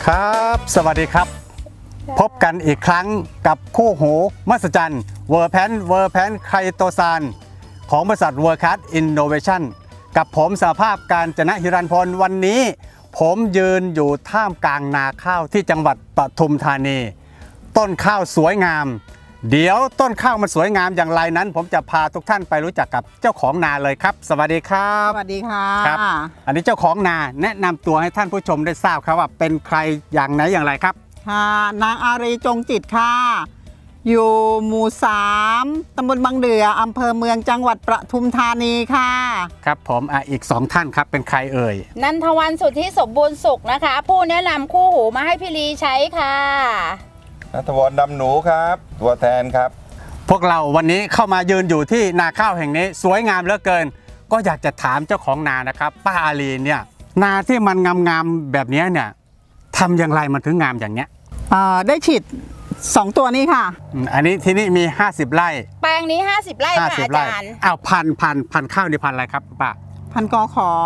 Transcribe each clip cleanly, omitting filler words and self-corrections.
ครับสวัสดีครับพบกันอีกครั้งกับคู่หูมหัศจรรย์เวอร์แพนไคโตซานของบริษัทเวอร์คัสอินโนเวชั่นกับผมสหภาพการจนะฮิรันพลวันนี้ผมยืนอยู่ท่ามกลางนาข้าวที่จังหวัดปทุมธานีต้นข้าวสวยงามเดี๋ยวต้นข้าวมันสวยงามอย่างไรนั้นผมจะพาทุกท่านไปรู้จักกับเจ้าของนาเลยครับสวัสดีครับสวัสดีค่ะครับอันนี้เจ้าของนาแนะนำตัวให้ท่านผู้ชมได้ทราบครับว่าเป็นใครอย่างไหนอย่างไรครับค่ะนางอารีจงจิตค่ะอยู่หมู่3ตำบลบางเดืออำเภอเมืองจังหวัดปทุมธานีค่ะครับผมอีก2ท่านครับเป็นใครเอ่ยนันทวันสุทธิสมบูรณ์สุขนะคะผู้แนะนำคู่หูมาให้พี่ลีใช้ค่ะณัฐวรดำหนูครับตัวแทนครับพวกเราวันนี้เข้ามายืนอยู่ที่นาข้าวแห่งนี้สวยงามเหลือเกินก็อยากจะถามเจ้าของนานะครับป้าอารีเนี่ยนาที่มันงามๆแบบนี้เนี่ยทำอย่างไรมันถึงงามอย่างเนี้ยได้ฉีด2ตัวนี้ค่ะอันนี้ที่นี่มี50ไร่แปลงนี้50ไร่ค่ะอาจารย์อ้าวพันข้าวนี่พันอะไรครับป้าพันกขอ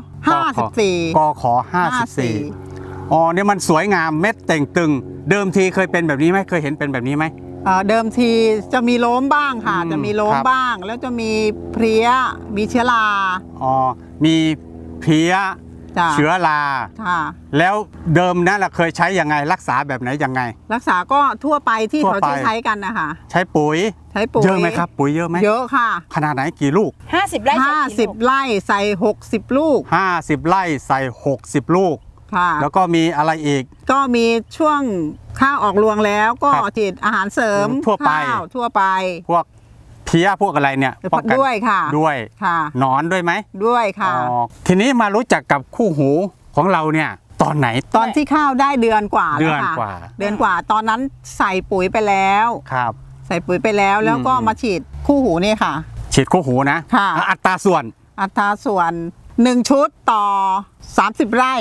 54 กขอ54อ๋อเนี่ยมันสวยงามเม็ดเต่งตึงเดิมทีเคยเป็นแบบนี้ไหมเคยเห็นเป็นแบบนี้ไหมเดิมทีจะมีล้มบ้างค่ะจะมีล้มบ้างแล้วจะมีเพลี้ยมีเชื้อราอ๋อมีเพลี้ยเชื้อราแล้วเดิมนั้นเราเคยใช้ยังไงรักษาแบบไหนยังไงรักษาก็ทั่วไปที่เขาใช้กันนะคะใช้ปุ๋ยเยอะไหมครับปุ๋ยเยอะไหมเยอะค่ะขนาดไหนกี่ลูก 50ไร่ 50ไร่ใส่60ลูก 50ไร่ใส่60ลูกแล้วก็มีอะไรอีกก็มีช่วงข้าวออกรวงแล้วก็ฉีดอาหารเสริมทั่วไปพวกเพี้ยพวกอะไรเนี่ยด้วยค่ะด้วยหนอนด้วยไหมด้วยค่ะทีนี้มารู้จักกับคู่หูของเราเนี่ยตอนไหนตอนที่ข้าวได้เดือนกว่าแล้วค่ะเดือนกว่าตอนนั้นใส่ปุ๋ยไปแล้วครับใส่ปุ๋ยไปแล้วแล้วก็มาฉีดคู่หูนี่ค่ะฉีดคู่หูนะอัตราส่วน 1ชุดต่อ30ไร่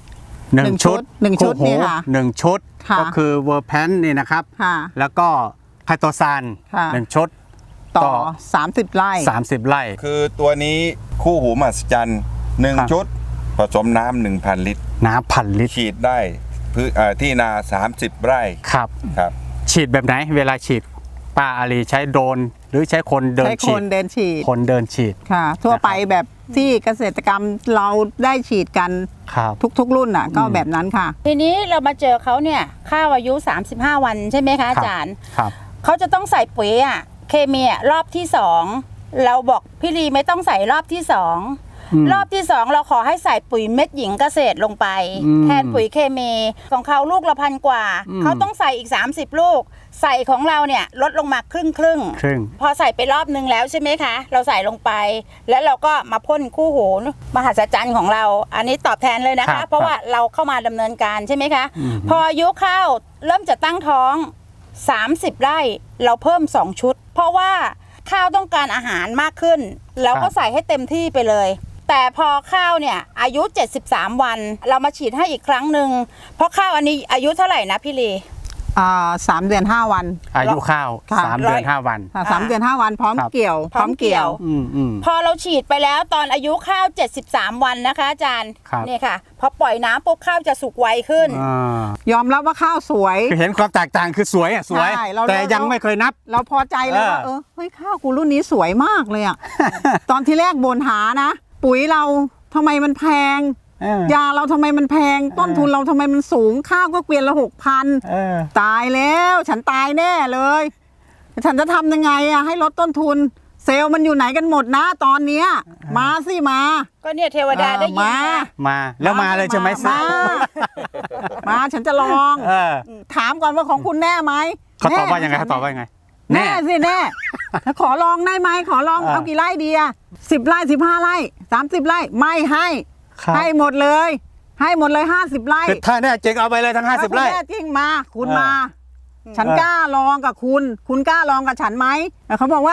1ชุดนี่ค่ะ 1ชุดก็คือเวอร์แพนนี่นะครับแล้วก็ไคโตซาน1ชุดต่อ30ไร่คือตัวนี้คู่หูมหัศจรรย์1ชุดผสมน้ำ 1,000 ลิตรน้ำ1,000 ลิตรฉีดได้ที่นา30ไร่ครับฉีดแบบไหนเวลาฉีดป้าอารีใช้โดรนหรือใช้คนเดินฉีดคนเดินฉีดค่ะทั่วไปแบบที่เกษตรกรรมเราได้ฉีดกันทุกรุ่นน่ะก็แบบนั้นค่ะทีนี้เรามาเจอเขาเนี่ยข้าวอายุ35วันใช่ไหมคะอาจารย์เขาจะต้องใส่ปุ๋ยเคมีรอบที่2เราบอกพี่ลีไม่ต้องใส่รอบที่2รอบที่2เราขอให้ใส่ปุ๋ยเม็ดหญิงเกษตรลงไปแทนปุ๋ยเคมีของเขาลูกละ1,000 กว่าเขาต้องใส่อีก30ลูกใส่ของเราเนี่ยลดลงมาครึ่งพอใส่ไปรอบนึงแล้วใช่ไหมคะเราใส่ลงไปแล้วเราก็มาพ่นคู่หูมหัศจรรย์ของเราอันนี้ตอบแทนเลยนะคะเพราะว่าเราเข้ามาดำเนินการใช่ไหมคะพออายุข้าวเริ่มจะตั้งท้อง30ไร่เราเพิ่ม2ชุดเพราะว่าข้าวต้องการอาหารมากขึ้นแล้วก็ใส่ให้เต็มที่ไปเลยแต่พอข้าวเนี่ยอายุ73วันเรามาฉีดให้อีกครั้งหนึ่งเพราะข้าวอันนี้อายุเท่าไหร่นะพี่ลี 3 เดือน 5 วันอายุข้าว3 เดือน 5 วัน 3 เดือน 5 วันพร้อมเกี่ยวพอเราฉีดไปแล้วตอนอายุข้าว73วันนะคะอาจารย์นี่ค่ะพอปล่อยน้ำปุ๊บข้าวจะสุกไวขึ้นยอมรับว่าข้าวสวยเห็นความแตกต่างคือสวยแต่ยังไม่เคยนับเราพอใจเลยว่าเฮ้ยข้าวกูรุ่นนี้สวยมากเลยตอนที่แรกบ่นหานะปุ๋ยเราทำไมมันแพงยาเราทำไมมันแพงต้นทุนเราทำไมมันสูงข้าวก็เกวียนละ6,000ตายแล้วฉันตายแน่เลยฉันจะทำยังไงให้ลดต้นทุนเซลล์มันอยู่ไหนกันหมดนะตอนนี้มาสิมาก็เนี่ยเทวดาได้ยินมาแล้วมาเลยใช่ไหมมาฉันจะลองถามก่อนว่าของคุณแน่ไหมเขาตอบว่ายังไงแน่สิแน่ขอลองได้ไหมขอลองเอากี่ไร่ดี10ไร่15ไร่30ไร่ไม่ให้หมดเลย50ไร่ถ้าแน่จริงเอาไปเลยทั้ง50ไร่แน่จริงมาคุณมาฉันกล้าลองกับคุณกล้าลองกับฉันไหมเขาบอกว่า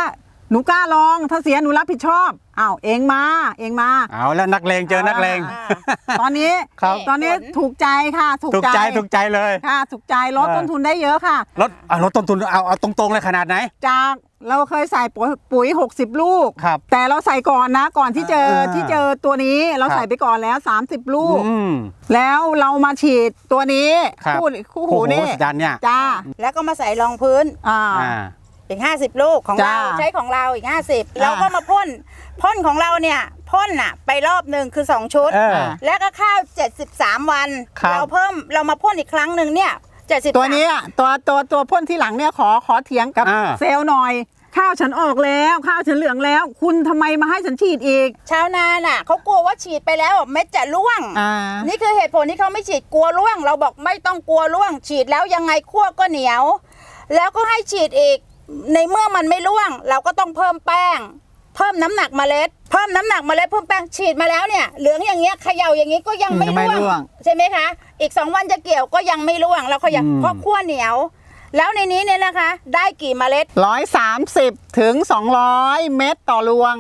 หนูกล้าลองถ้าเสียหนูรับผิดชอบอ้าวเองมาเอาแล้วนักเลงเจอนักเลงตอนนี้ครับตอนนี้ถูกใจค่ะถูกใจเลยค่ะถูกใจลดต้นทุนได้เยอะค่ะลดต้นทุนเอาตรงๆเลยขนาดไหนจากเราเคยใส่ปุ๋ย60 ลูกครับแต่เราใส่ก่อนนะก่อนที่เจออ่าที่เจอตัวนี้เราครับใส่ไปก่อนแล้ว30 ลูกอืมแล้วเรามาฉีดตัวนี้ครับคู่หูนี่จันเนี่ยจ้าแล้วก็มาใส่รองพื้นอ่าอ่าอีก50 ลูกของจ้าเราใช้ของเราอีก 50เราก็มาพ่นของเราเนี่ยพ่นอ่ะไปรอบหนึ่งคือ2 ชุดเออแล้วก็ข้าว73 วันครับเรามาพ่นอีกครั้งหนึ่งเนี่ย73 ตัวนี้อะตัวพ่นที่หลังเนี่ยขอเถียงกับอ่าเซลล์หน่อย ข้าวฉันออกแล้วข้าวฉันเหลืองแล้ว คุณทำไมมาให้ฉันฉีดอีกชาวนาน่ะเขากลัวว่าฉีดไปแล้วเม็ดจะร่วงอ่านี่คือเหตุผลที่เขาไม่ฉีดกลัวร่วง เราบอกไม่ต้องกลัวร่วง ฉีดแล้วยังไงคั่วก็เหนียว แล้วก็ให้ฉีดอีกในเมื่อมันไม่ร่วง เราก็ต้องเพิ่มแป้ง เพิ่มน้ำหนักเมล็ด เพิ่มน้ำหนักเมล็ดเพิ่มแป้งฉีดมาแล้วเนี่ยเหลืองอย่างเงี้ยเขย่าอย่างงี้ก็ยังไม่ยังไม่ร่ร่ววงงใช่ไหมคะอีก2 วันจะเกี่ยวก็ยังไม่ร่วงเราเขย่าอืมเพราะคั่วเหนียว แล้วในนี้เนี่ยนะคะ ได้กี่เมล็ด 130 ถึง 200 เม็ดต่อรวง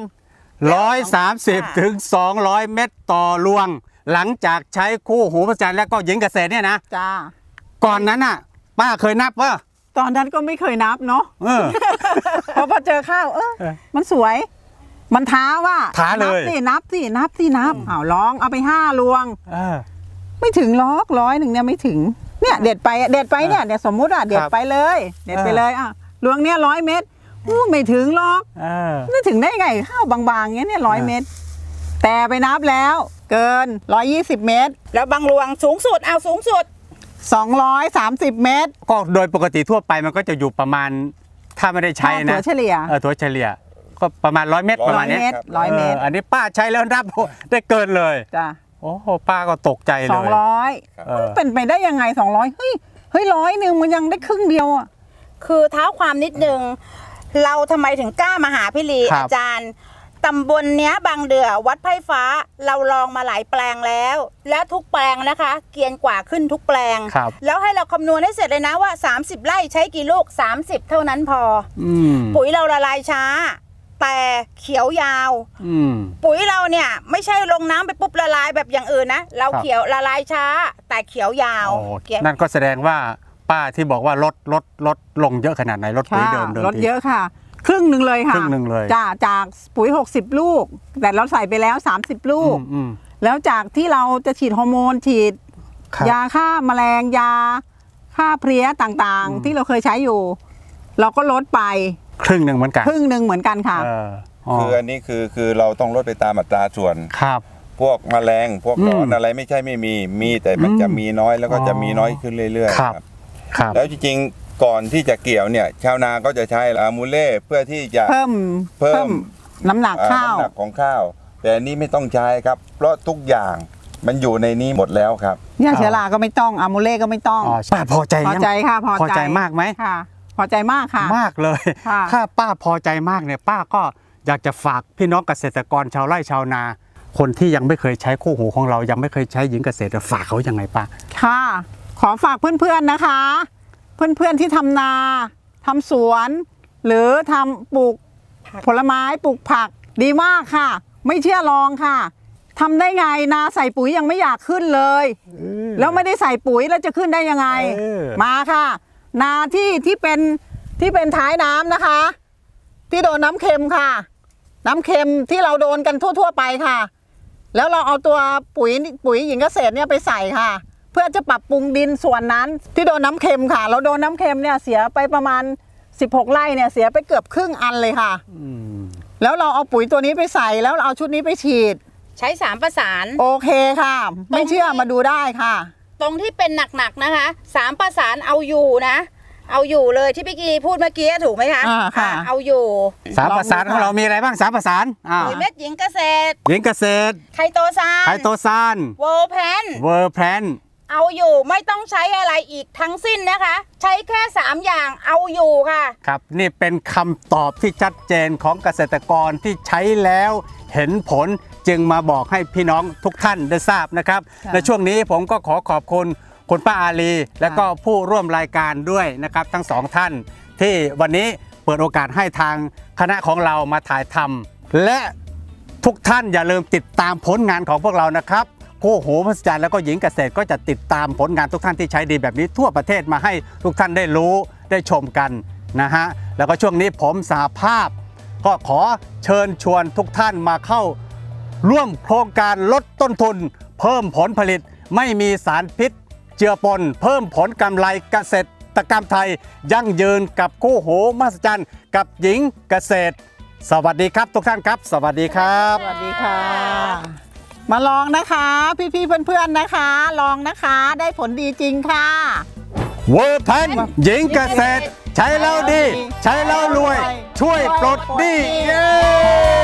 130 ถึง 200 เม็ดต่อรวง หลังจากใช้คู่หูประจันแล้วก็หญิงเกษตรเนี่ยนะจ้าก่อนนั้นน่ะ ป้าเคยนับว่าตอนนั้นก็ไม่เคยนับเนาะเออพอเจอข้าวมันสวย มันท้าว่าท้าเลยนับสิอ้าวลองเอาไป5รวงเออไม่ถึง100เนี่ยไม่ถึงเนี่ยเด็ดไปเนี่ยเดี๋ยวสมมุติอ่ะเด็ดไปเลยอ่ะรวงเนี่ย100 เม็ดอู้ไม่ถึงหรอกเออไม่ถึงได้ไงข้าวบางๆเงี้ยเนี่ย100 เม็ดแต่ไปนับแล้วเกิน120 เม็ดแล้วบางรวงสูงสุดเอาสูงสุด 230 เม็ดก็โดยปกติทั่วไปมันก็จะอยู่ประมาณถ้าไม่ได้ใช้ถั่นะวเฉลี่ยถั่วเฉลี่ยก็ประมาณ100 เม็ดประมาณ 100 เนี้ยเม็ด100 เม็ดอันนี้ป้าใช้แล้วนับได้เกินเลยจ้ะโอ้โหป้าก็ตกใจเลย 200 เออเป็นไปได้ยังไง200เฮ้ย100 นึงมันยังได้ครึ่งเดียวอ่ะคือเท้าความนิดนึงเราทำไมถึงกล้ามาหาพี่ลีครับอาจารย์ตำบลเนี้ยบางเดือวัดไผ่ฟ้าเราลองมาหลายแปลงแล้ว แล้วทุกแปลงนะคะ เกรียนกว่าขึ้นทุกแปลงครับแล้วให้เราคำนวณให้เสร็จเลยนะว่า 30 ไร่ใช้กี่ลูก 30 เท่านั้นพออืมปุ๋ยเราละลายช้า แต่เขียวยาวอืมปุ๋ยเราเนี่ยไม่ใช่ลงน้ำไปปุ๊บละลายแบบอย่างอื่นนะเราครับเขียวละลายช้า แต่เขียวยาวโอ้เขียวนั่นก็แสดงว่าป้าที่บอกว่าลดลงเยอะขนาดไหนลดปุ๋ยเดิมลดเยอะค่ะ ครึ่งหนึ่งเลยค่ะครึ่งหนึ่งเลยจากปุ๋ย60 ลูก แต่เราใส่ไปแล้ว30 ลูกอืมแล้วจากที่เราจะฉีดฮอร์โมนฉีดครับยาฆ่าแมลงยาฆ่าเพลี้ยต่างๆ ที่เราเคยใช้อยู่ เราก็ลดไปครึ่งหนึ่งเหมือนกันครึ่งหนึ่งเหมือนกันค่ะเอออ๋อคืออันนี้คือเราต้องลดไปตามอัตราส่วนครับพวกแมลงพวกหนอนอะไรไม่ใช่ไม่มีแต่มันจะมีน้อยแล้วก็จะมีน้อยขึ้นเรื่อยๆครับ ครับแล้วจริงๆก่อนที่จะเกี่ยวเนี่ยชาวนาก็จะใช้อะมูเล่เพื่อที่จะเพิ่มน้ำหนักข้าวน้ำหนักของข้าว แต่อันนี้ไม่ต้องใช้ครับ เพราะทุกอย่างมันอยู่ในนี้หมดแล้วครับยาเชื้อราก็ไม่ต้องอะมูเล่ก็ไม่ต้องอ๋อป้าพอใจพอยังใจค่ะพอใจมากไหมค่ะ พอใจมากค่ะมากเลยค่ะถ้าป้าพอใจมากเนี่ยป้าก็อยากจะฝากพี่น้องเกษตรกรชาวไร่ชาวนา คนที่ยังไม่เคยใช้คู่หูของเรายังไม่เคยใช้หญิงเกษตรฝากเขายังไงป้าค่ะ ขอฝากเพื่อนๆนะคะ เพื่อนๆที่ทำนาทำสวน หรือทำปลูกผลไม้ปลูกผักดีมากค่ะ ไม่เชื่อลองค่ะทำได้ไงนาใส่ปุ๋ยยังไม่อยากขึ้นเลย แล้วไม่ได้ใส่ปุ๋ยแล้วจะขึ้นได้ยังไง มาค่ะ นาที่เป็นท้ายน้ำนะคะ ที่โดนน้ำเค็มค่ะ น้ำเค็มที่เราโดนกันทั่วๆไปค่ะ แล้วเราเอาตัวปุ๋ยหญิงเกษตรเนี่ยไปใส่ค่ะ เพื่อจะปรับปรุงดินส่วนนั้นที่โดนน้ำเค็มค่ะ เราโดนน้ำเค็มเนี่ยเสียไปประมาณ16 ไร่เนี่ยเสียไปเกือบครึ่งอันเลยค่ะ แล้วเราเอาปุ๋ยตัวนี้ไปใส่แล้วเราเอาชุดนี้ไปฉีดใช้3 ประสานโอเคค่ะ ไม่เชื่อมาดูได้ค่ะตรงที่เป็นหนักๆนะคะ3 ประสานเอาอยู่นะ เอาอยู่เลยที่พี่กีพูดเมื่อกี้ถูกไหมคะค่ะเอาอยู่สามประสานของเรามีอะไรบ้างสามประสานอ้าวปุ๋ยเม็ดหญิงเกษตรหญิงเกษตรไคโตซานไคโตซานเวอร์แพนเวอร์แพลนเอาอยู่ไม่ต้องใช้อะไรอีกทั้งสิ้นนะคะ ใช้แค่3 อย่างเอาอยู่ค่ะครับนี่เป็นคำตอบที่ชัดเจนของเกษตรกรที่ใช้แล้วเห็นผลจึงมาบอกให้พี่น้องทุกท่านได้ทราบนะครับค่ะในช่วงนี้ผมก็ขอขอบคุณคุณป้าอาลี และก็ผู้ร่วมรายการด้วยนะครับทั้งสองท่าน ที่วันนี้เปิดโอกาสให้ทางคณะของเรามาถ่ายทำและทุกท่านอย่าลืมติดตามผลงานของพวกเรานะครับคู่หูมหัศจรรย์แล้วก็หญิงเกษตรก็จะติดตามผลงานทุกท่านที่ใช้ดีแบบนี้ทั่วประเทศมาให้ทุกท่านได้รู้ได้ชมกันนะฮะแล้วก็ช่วงนี้ผมสหภาพก็ขอเชิญชวนทุกท่านมาเข้าร่วมโครงการลดต้นทุนเพิ่มผลผลิตไม่มีสารพิษเจือปนเพิ่มผลกำไรเกษตรกรรมไทยยั่งยืนกับคู่หูมหัศจรรย์กับหญิงเกษตรสวัสดีครับทุกท่านครับสวัสดีครับสวัสดีค่ะ มาลองนะคะพี่ๆเพื่อนๆนะคะ ลองนะคะได้ผลดีจริงค่ะเวอร์แพนหญิงเกษตร ใช้แล้วดี ใช้แล้วรวย ช่วยปลดหนี้เย้